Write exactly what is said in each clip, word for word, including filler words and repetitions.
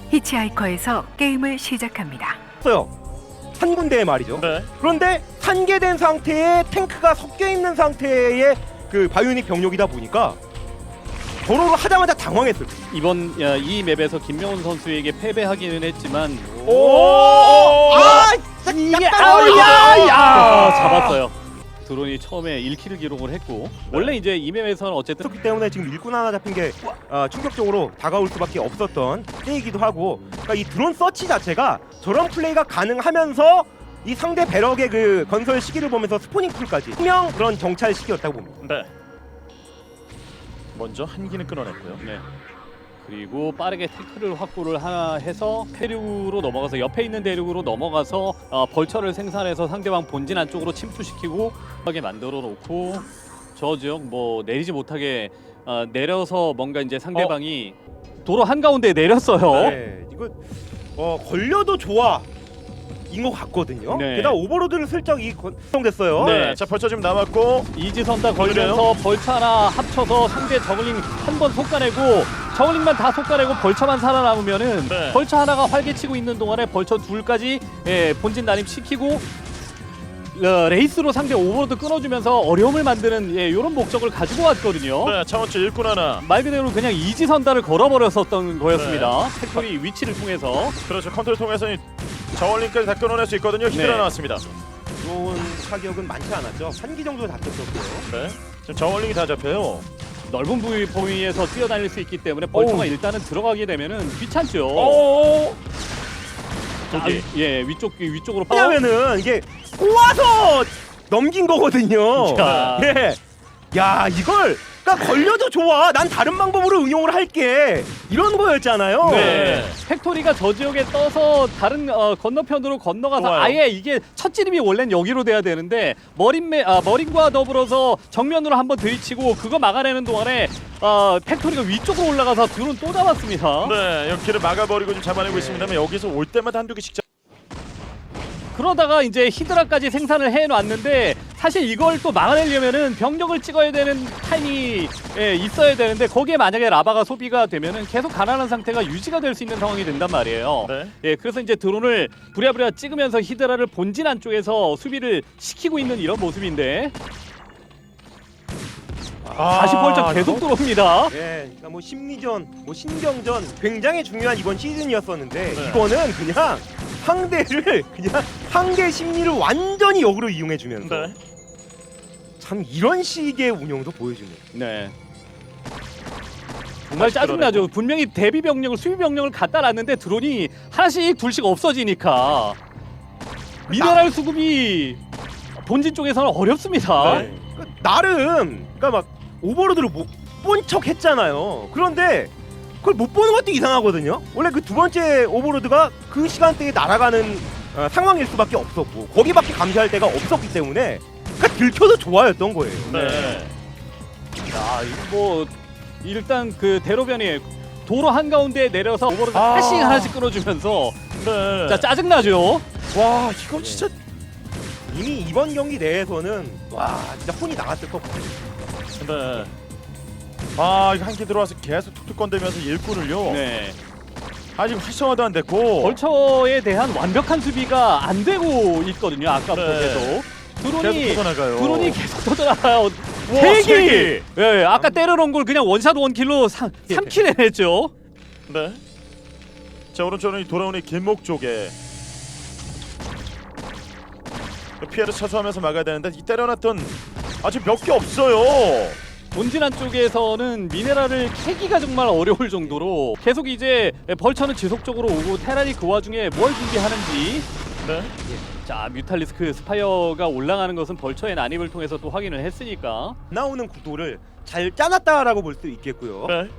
히치하이커에서 게임을 시작합니다. 없어요. 한 군데에 말이죠. 네. 그런데 산계된 상태에 탱크가 섞여 있는 상태의 그 바이오닉 병력이다 보니까 도로를 하자마자 당황했어요. 이번 야, 이 맵에서 김명훈 선수에게 패배하기는 했지만 오! 아! 이게 약간 아우야! 야! 아! 잡았어요. 드론이 처음에 일 킬을 기록을 했고 원래 이제 이 맵에서는 어쨌든 그렇기 때문에 지금 일꾼 하나 잡힌 게 어, 충격적으로 다가올 수밖에 없었던 때이기도 하고, 그러니까 이 드론 서치 자체가 저런 플레이가 가능하면서 이 상대 배럭의 그 건설 시기를 보면서 스포닝 풀까지 분명 그런 정찰 시기였다고 봅니다. 네. 먼저 한기는 끊어냈고요. 네. 그리고 빠르게 태클을 확보를 하나 해서 대륙으로 넘어가서 옆에 있는 대륙으로 넘어가서 어, 벌처를 생산해서 상대방 본진 안쪽으로 침투시키고 하게 만들어 놓고 저 지역 뭐 내리지 못하게 어, 내려서 뭔가 이제 상대방이 도로 한가운데에 내렸어요. 네, 이거 어, 걸려도 좋아 인 것 같거든요. 네. 게다가 오버로드를 슬쩍 이 건성됐어요. 네. 자, 벌써 지금 남았고 이지선 다 걸면서 벌처 하나 합쳐서 상대 저글링 한 번 솎아내고 저글링만 다 솎아내고 벌처만 살아남으면은 네. 벌처 하나가 활개치고 있는 동안에 벌처 둘까지 예, 본진 난입 시키고 어, 레이스로 상대 오버로드 끊어주면서 어려움을 만드는 예, 이런 목적을 가지고 왔거든요. 네, 차원치 일꾼 하나. 말 그대로 그냥 이지선다를 걸어버렸었던 거였습니다. 팩토리 위치를 통해서. 그렇죠. 컨트롤 통해서 이 저울링까지 다 끊어낼 수 있거든요. 히드라 네. 나왔습니다. 좋은 타격은 많지 않았죠. 한 기 정도 잡혔었고요. 네. 지금 저울링이 다 잡혀요. 넓은 부위 범위에서 뛰어다닐 수 있기 때문에 벌처가 오우. 일단은 들어가게 되면은 귀찮죠. 오. 아, 저기. 예, 위쪽 위쪽으로 왜냐면은 이게 꼬아서 넘긴 거거든요. 자. 네. 야, 이걸 그러니까 걸려도 좋아. 난 다른 방법으로 응용을 할게. 이런 거였잖아요. 네. 팩토리가 저 지역에 떠서 다른 어, 건너편으로 건너가서 좋아요. 아예 이게 첫 지름이 원래는 여기로 돼야 되는데 머린매 아, 머린과 더불어서 정면으로 한번 들이치고 그거 막아내는 동안에 어, 팩토리가 위쪽으로 올라가서 드론 또 잡았습니다. 네, 여기를 막아버리고 좀 잡아내고 있습니다만 여기서 올 때마다 한두 개씩 잡... 그러다가 이제 히드라까지 생산을 해놨는데 사실 이걸 또 막아내려면은 병력을 찍어야 되는 타임이 예, 있어야 되는데 거기에 만약에 라바가 소비가 되면은 계속 가난한 상태가 유지가 될 수 있는 상황이 된단 말이에요. 네. 예, 그래서 이제 드론을 부랴부랴 찍으면서 히드라를 본진 안쪽에서 수비를 시키고 있는 이런 모습인데 아, 다시 벌쩍 계속 이거? 들어옵니다. 예, 그러니까 뭐 심리전, 뭐 신경전 굉장히 중요한 이번 시즌이었었는데 네. 이거는 그냥 상대를 그냥 상대 심리를 완전히 역으로 이용해 주면서 네. 참 이런 식의 운영도 보여주네요. 네. 정말 다시 짜증나죠. 끌어내고. 분명히 대비 병력을 수비 병력을 갖다 놨는데 드론이 하나씩 둘씩 없어지니까 미네랄 수급이 본진 쪽에서는 어렵습니다. 네. 그러니까 나름 그러니까 막 오버로드를 못 본 척 했잖아요. 그런데 그걸 못 보는 것도 이상하거든요. 원래 그 두 번째 오버로드가 그 시간대에 날아가는 어, 상황일 수밖에 없었고 거기밖에 감시할 데가 없었기 때문에 그러니까 들켜도 좋아였던 거예요. 네. 자, 이거 뭐 일단 그 대로변이 도로 한가운데에 내려서 오버로드 아. 하나씩 하나씩 끌어주면서 네. 자 짜증나죠. 와, 이거 진짜 이미 이번 경기 내에서는 와 진짜 혼이 나갔을 것 같아요. 네. 아, 이거 한개 들어와서 계속 툭툭 건들면서 일꾼을요. 네. 아직 활성화도 안 됐고. 벌처에 대한 완벽한 수비가 안 되고 있거든요. 아까부터 네. 계속 드론이 계속 터져나가요. 드론이 계속 터져나가요. 와, 세 세 기. 기. 예, 아까 때려놓은 걸 그냥 원샷 원킬로 삼 킬 해냈죠. 네. 자, 오른쪽은 이 돌아오는 이 길목 쪽에 피해를 차수하면서 막아야 되는데 이 때려놨던 아직 몇 개 없어요. 본진 안쪽에서는 미네랄을 캐기가 정말 어려울 정도로 계속 이제 벌처는 지속적으로 오고 테란이 그 와중에 뭘 준비하는지. 네. 자, 뮤탈리스크 스파이어가 올라가는 것은 벌처의 난입을 통해서 또 확인을 했으니까. 나오는 구도를 잘 짜놨다라고 볼 수 있겠고요. 네.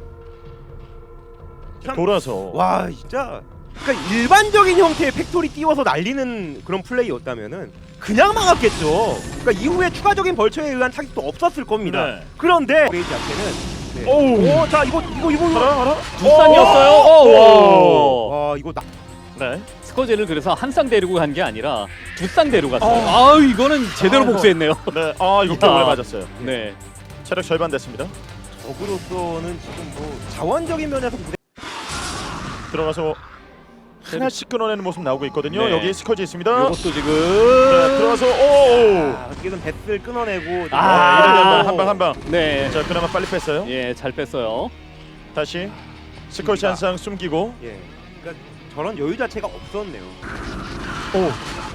참- 돌아서. 와 진짜 그러니까 일반적인 형태의 팩토리 띄워서 날리는 그런 플레이였다면은 그냥 막았겠죠. 그러니까 이후에 추가적인 벌처에 의한 타격도 없었을 겁니다. 네. 그런데 레이지 앞에는 네. 오우. 오, 자 이거 이거 이거 알아, 알아? 두쌍이었어요. 오! 오! 와 이거 나 네. 스커제를 그래서 한 쌍 데리고 간 게 아니라 두 쌍 데리고 갔어요. 어. 아우, 이거는 제대로 아, 복수했네요. 네. 아, 이거 야. 때문에 맞았어요. 네. 체력 절반 됐습니다. 적으로서는 지금 뭐 자원적인 면에서 무대 들어가서 하나씩 끊어내는 모습 나오고 있거든요. 네. 여기 스커지 있습니다. 이것도 네, 지금 들어가서 오. 아, 어떻게든 배스를 끊어내고 아. 한방 한 방. 네. 자, 그나마 빨리 뺐어요. 예, 잘 뺐어요. 다시 스커지 한 쌍 숨기고. 예. 그러니까 저런 여유 자체가 없었네요. 오.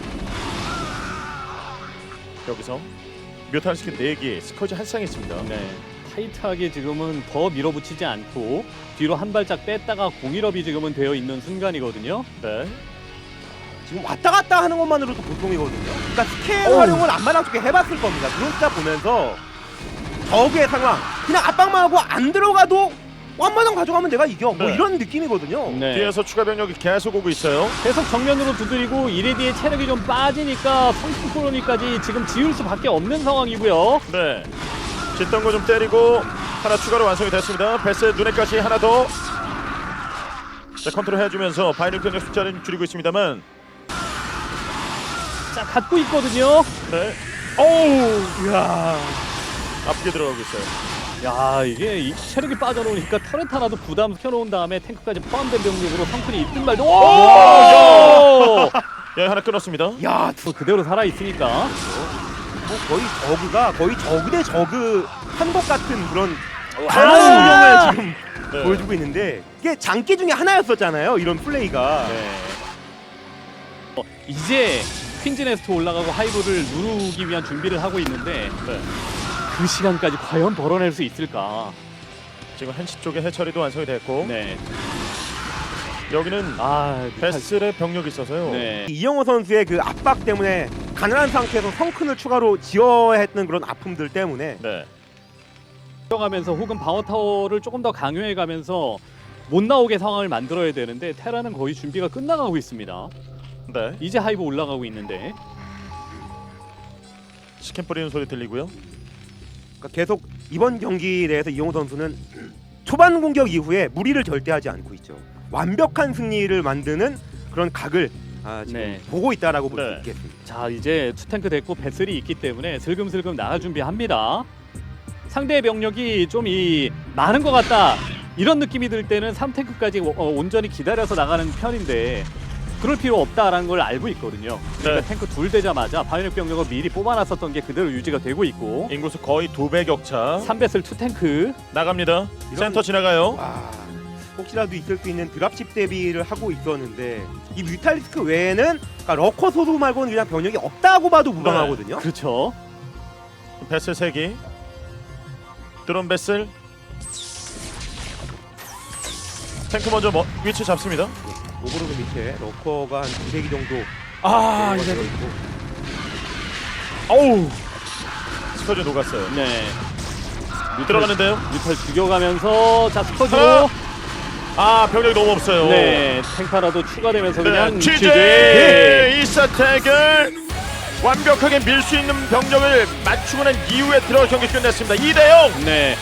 여기서 묘탄스킨 네 개, 스커지 한 쌍 있습니다. 네. 타이트하게 지금은 더 밀어붙이지 않고 뒤로 한 발짝 뺐다가 공일업이 지금은 되어 있는 순간이거든요. 네. 지금 왔다 갔다 하는 것만으로도 보통이거든요. 그러니까 스캔 어우. 활용을 안마랑 쪽에 해봤을 겁니다. 드론스타 보면서 적의 상황 그냥 압박만 하고 안 들어가도 완마당 가져가면 내가 이겨. 뭐 네. 이런 느낌이거든요. 네. 뒤에서 추가 병력이 계속 오고 있어요. 계속 정면으로 두드리고 이레디의 체력이 좀 빠지니까 성풍 콜로니까지 지금 지울 수밖에 없는 상황이고요. 네. 짓던 거 좀 때리고 하나 추가로 완성이 됐습니다. 베스 눈에까지 하나 더. 자, 컨트롤 해주면서 바이럴 병력 숫자를 줄이고 있습니다만. 자, 갖고 있거든요. 네. 오우. 이야. 아프게 들어가고 있어요. 야, 이게 이 체력이 빠져놓으니까 터렛 하나도 부담 켜놓은 다음에 탱크까지 포함된 병력으로 성큰이 있든 말든 오! 오! 야, 하나 끊었습니다. 야, 또 그대로 살아 있으니까. 뭐 거의 저그가 거의 저그 대 저그 한 것 같은 그런 아! 강한 운영을 지금 네. 보여주고 있는데 이게 장기 중에 하나였었잖아요. 이런 플레이가. 네. 어, 이제 퀸즈네스트 올라가고 하이브를 누르기 위한 준비를 하고 있는데 네. 그 시간까지 과연 벌어낼 수 있을까? 지금 한시 쪽에 해처리도 완성이 됐고 네. 여기는 아, 베슬의 병력이 있어서요. 네. 이영호 선수의 그 압박 때문에 가난한 상태에서 성큰을 추가로 지어야 했던 그런 아픔들 때문에 네. 가면서 혹은 방어 타워를 조금 더 강요해 가면서 못 나오게 상황을 만들어야 되는데 테라는 거의 준비가 끝나가고 있습니다. 네. 이제 하이브 올라가고 있는데 스캔 뿌리는 소리 들리고요. 그러니까 계속 이번 경기에 대해서 이영호 선수는 초반 공격 이후에 무리를 절대 하지 않고 있죠. 완벽한 승리를 만드는 그런 각을 아, 지금 네. 보고 있다라고 볼 수 네. 있겠습니다. 자, 이제 투탱크 됐고 배슬이 있기 때문에 슬금슬금 나갈 준비합니다. 상대의 병력이 좀 이 많은 것 같다 이런 느낌이 들 때는 삼 탱크까지 어, 온전히 기다려서 나가는 편인데 그럴 필요 없다라는 걸 알고 있거든요. 그러니까 네. 탱크 둘 되자마자 바이오닉 병력을 미리 뽑아놨었던 게 그대로 유지가 되고 있고 인구수 거의 두 배 격차. 삼 배슬 투탱크 나갑니다. 이런- 센터 지나가요. 와, 혹시라도 있을 수 있는 드랍십 대비를 하고 있었는데 이 뮤탈리스크 외에는 그러니까 러커 소수 말고는 그냥 병력이 없다고 봐도 무방하거든요. 그렇죠. 베슬 세 개. 드론 베슬. 탱크 먼저 뭐, 위치 잡습니다. 오버로드 밑에 러커가 한 두세 개 정도 아, 들어가 이제 있고 어우. 스커지 녹았어요. 네. 들어가는데요. 뮤탈 죽여가면서 자 스커지로 하나. 아, 병력이 너무 없어요. 네 탱크 하나도 추가되면서 그냥 네, 취재. 취재 이 세트를 완벽하게 밀 수 있는 병력을 맞추고 난 이후에 들어 경기 끝냈습니다. 이 대 영. 네.